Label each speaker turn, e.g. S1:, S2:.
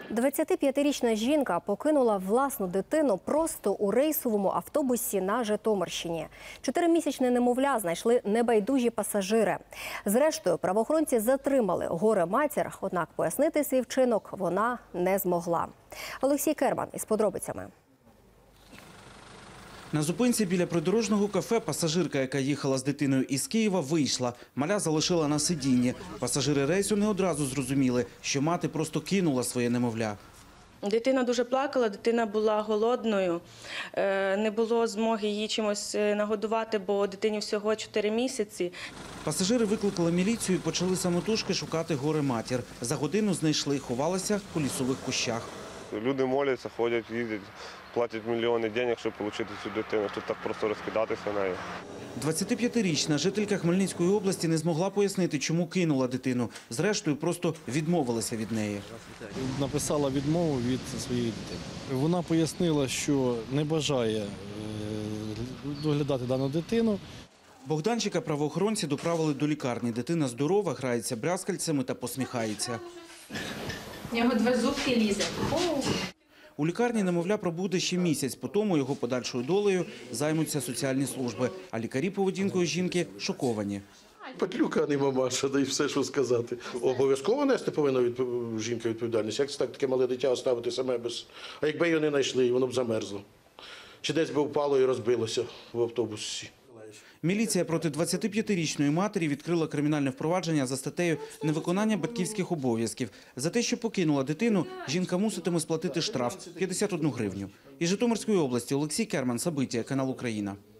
S1: 25-річна жінка покинула власну дитину просто у рейсовому автобусі на Житомирщині. 4-місячне немовля знайшли небайдужі пасажири. Зрештою, правоохоронці затримали горе-матір, однак пояснити свій вчинок вона не змогла. Олексій Керман із подробицями.
S2: На зупинці біля придорожного кафе пасажирка, яка їхала з дитиною із Києва, вийшла. Маля залишила на сидінні. Пасажири рейсу не одразу зрозуміли, що мати просто кинула своє немовля.
S3: Дитина дуже плакала, дитина була голодною, не було змоги її чимось нагодувати, бо дитині всього 4 місяці.
S2: Пасажири викликали міліцію і почали самотужки шукати горе-матір. За годину знайшли, ховалася у лісових кущах.
S4: Люди моляться, ходять, їздять, платять мільйони грошей, щоб отримати цю дитину. Тут так просто розкидатися нею.
S2: 25-річна жителька Хмельницької області не змогла пояснити, чому кинула дитину. Зрештою, просто відмовилася від неї.
S5: Написала відмову від своєї дитини. Вона пояснила, що не бажає доглядати дану дитину.
S2: Богданчика правоохоронці доправили до лікарні. Дитина здорова, грається брязкальцями та посміхається.
S6: У нього 2 зубки лізе.
S2: У лікарні немовля пробуде ще місяць, потім його подальшою долею займуться соціальні служби. А лікарі поведінкою жінки шоковані.
S7: Петлюка, а не мамаша, да і все, що сказати. Обов'язково нести повинна жінка відповідальність. Як це так таке мале дитя оставити саме без... А якби його не знайшли, воно б замерзло. Чи десь би впало і розбилося в автобусі.
S2: Міліція проти 25-річної матері відкрила кримінальне впровадження за статтею «Невиконання батьківських обов'язків». За те, що покинула дитину, жінка муситиме сплатити штраф – 51 гривню. Із Житомирської області Олексій Керман, Сабиття, канал «Україна».